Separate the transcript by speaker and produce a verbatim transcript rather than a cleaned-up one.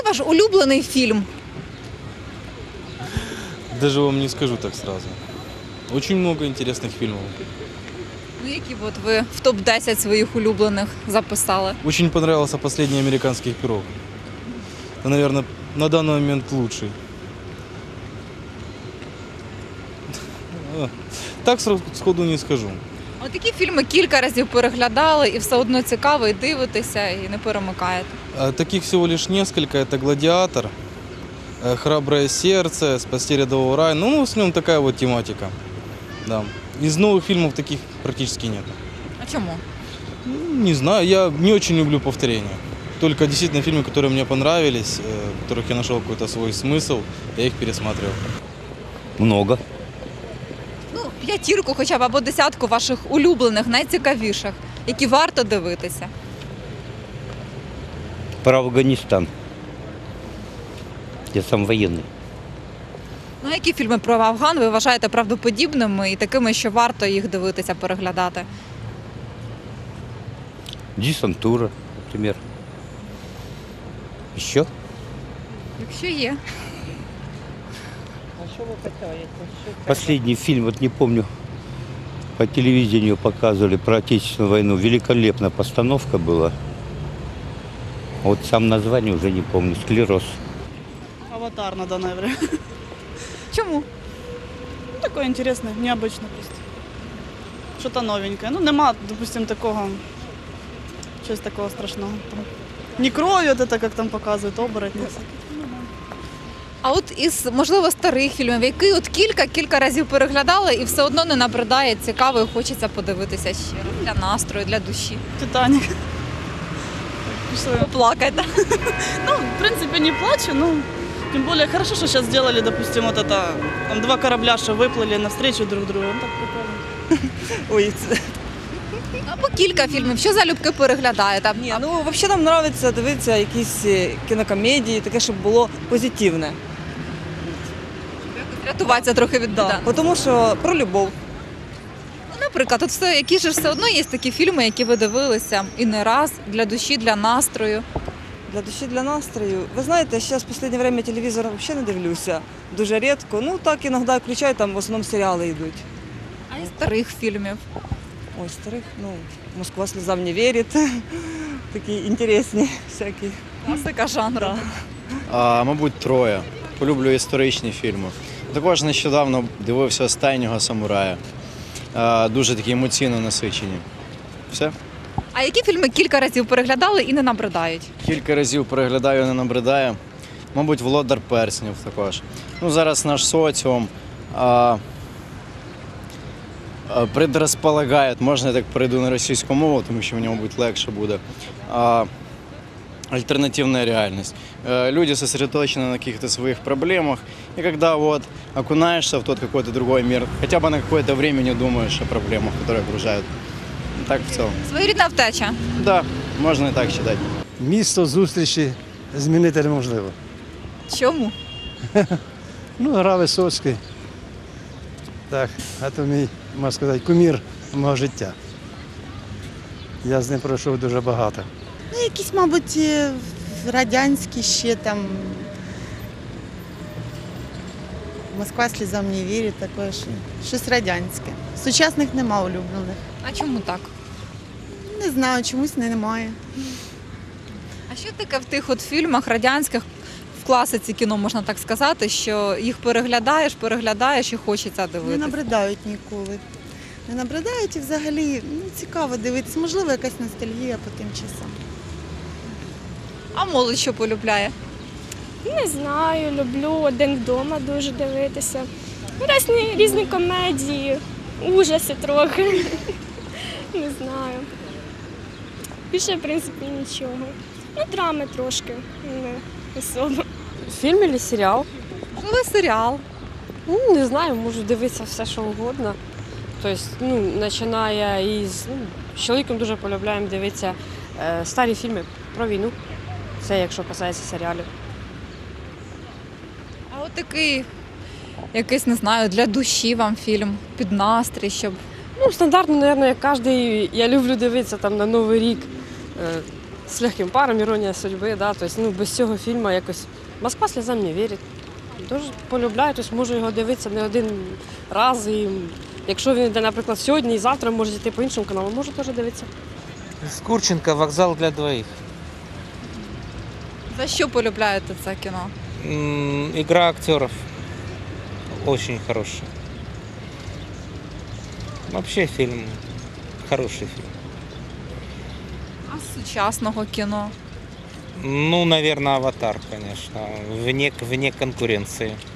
Speaker 1: ваш улюблений фільм?
Speaker 2: Даже вам не скажу так сразу. Очень много интересных фильмов.
Speaker 1: Ну, які от ви в топ десять своїх улюблених записали?
Speaker 2: Очень понравился «Последний американский пирог». Это, наверное, на данный момент лучший. Так сходу не скажу.
Speaker 1: От такі фільми кілька разів переглядали і все одно цікаво, і дивитеся, і не перемикаєте.
Speaker 2: А таких всего лишь несколько. Это «Гладиатор», э, «Храброе сердце», «Спасти рядового рая». Ну, в основном такая вот тематика. Да. Из новых фильмов таких практически нет.
Speaker 1: А чому?
Speaker 2: Ну, не знаю, я не очень люблю повторения. Только действительно фильмы, которые мне понравились, э, в которых я нашел какой-то свой смысл, я их пересматривал.
Speaker 3: Много.
Speaker 1: Ну, п'ятірку хоча б або десятку ваших улюблених, найцікавіших, які варто дивитися.
Speaker 3: Про Афганистан. Я сам военный.
Speaker 1: Ну, які фільми про Афган ви вважаєте правдоподібними і такими, що варто їх дивитися, переглядати?
Speaker 3: Десантура, например. Еще?
Speaker 1: Якщо є.
Speaker 3: Последний фильм, вот не помню, по телевидению показывали про Отечественную войну. Великолепная постановка была. Вот сам название уже не помню. «Склероз».
Speaker 4: «Аватар» на данное время.
Speaker 1: Чому?
Speaker 4: Ну, такое интересное, необычно просто. Что-то новенькое. Ну, нема, допустим, такого, чогось такого страшного. Не кровь, вот это, как там показывают, оборотни.
Speaker 1: А от із, можливо, старих фільмів, які от кілька-кілька разів переглядали і все одно не набридає, цікаво і хочеться подивитися ще раз для настрою, для душі.
Speaker 4: «Титаник».
Speaker 1: Поплакайте.
Speaker 4: Ну, в принципе, не плачу, но тем более хорошо, что сейчас сделали, допустим, вот это, там два корабля, что выплыли навстречу друг другу. Ну, так прикольно.
Speaker 5: Ой, це...
Speaker 1: Або кілька фільмів. Що залюбки переглядаєте?
Speaker 5: Ні, ну взагалі нам подобається дивитися якісь е, кінокомедії, таке, щоб було позитивне.
Speaker 1: Рятуватися трохи від біди.
Speaker 5: Да. Тому що про любов.
Speaker 1: Ну, наприклад, от все, які ж все одно є такі фільми, які ви дивилися і не раз, для душі, для настрою.
Speaker 5: Для душі, для настрою. Ви знаєте, зараз в останнє час телевізор взагалі не дивлюся. Дуже рідко. Ну так іноді включаю, там в основному серіали йдуть.
Speaker 1: А із старих фільмів?
Speaker 5: Ой, старих, ну, «Москва слезам не вірить». Такі інтересні всякі.
Speaker 1: Класика жанру.
Speaker 5: Да.
Speaker 6: А, мабуть, «Троє». Полюблю історичні фільми. Також нещодавно дивився «Останнього самурая». А, дуже такі емоційно насичені. Все.
Speaker 1: А які фільми кілька разів переглядали і не набридають?
Speaker 6: Кілька разів переглядаю, не набридає. Мабуть, «Володар перснів» також. Ну, зараз наш соціум а, а, предрозполагає, можна я так перейду на російську мову, тому що мені, мабуть, легше буде. А, альтернативная реальность. Люди сосредоточены на каких-то своих проблемах, и когда вот окунаешься в тот какой-то другой мир, хотя бы на какое-то время не думаешь о проблемах, которые окружают. Так в целом.
Speaker 1: Своєрідна втеча.
Speaker 6: Да, можна і так считать.
Speaker 7: Місто зустрічі змінити неможливо.
Speaker 1: Чому?
Speaker 7: Ну, гра Висоцький. Так, а то мій, можна сказати, кумір мого життя. Я з ним пройшов дуже багато.
Speaker 8: Ну, якісь, мабуть, радянські ще там. Москва слізам не вірить, таке що щось радянське. Сучасних нема улюблених.
Speaker 1: А чому так?
Speaker 8: Не знаю, чомусь немає.
Speaker 1: А що таке в тих от фільмах радянських, в класиці кіно, можна так сказати, що їх переглядаєш, переглядаєш і хочеться
Speaker 8: Не
Speaker 1: дивитися?
Speaker 8: набридають ніколи. Не набридають і взагалі ну, цікаво дивитися. Можливо, якась ностальгія по тим часам.
Speaker 1: А молодь що полюбляє?
Speaker 9: Не знаю, люблю «Один вдома» дуже дивитися. Різні, різні комедії, ужаси трохи. Не знаю. Більше, в принципі, нічого. Ну, драми трошки, не особо.
Speaker 10: Фільм або серіал?
Speaker 1: Можливо, серіал.
Speaker 10: Ну, не знаю, можу дивитися все, що угодно. Тобто, ну, починає із... Ну, з чоловіком дуже полюбляємо дивитися е, старі фільми про війну. Це якщо касається серіалів.
Speaker 1: А от такий, якийсь, не знаю, для душі вам фільм, під настрій, щоб...
Speaker 10: Ну, стандартно, мабуть, як кожен, я люблю дивитися там на Новий рік. Е, з легким паром, іронія судьби, да, тобто, ну, без цього фільму якось Москва сльозам не вірить. Дуже полюбляю, тобто можу його дивитися не один раз. І якщо він йде, наприклад, сьогодні і завтра, може йти по іншому каналу, можу теж дивитися.
Speaker 11: С Курченко «Вокзал для двоих».
Speaker 1: За що полюбляєте це кіно?
Speaker 11: М, Игра актеров очень хорошая. Вообще фильм хороший фильм.
Speaker 1: А з сучасного кіно?
Speaker 11: Ну, наверное, «Аватар», конечно, вне, вне конкуренции.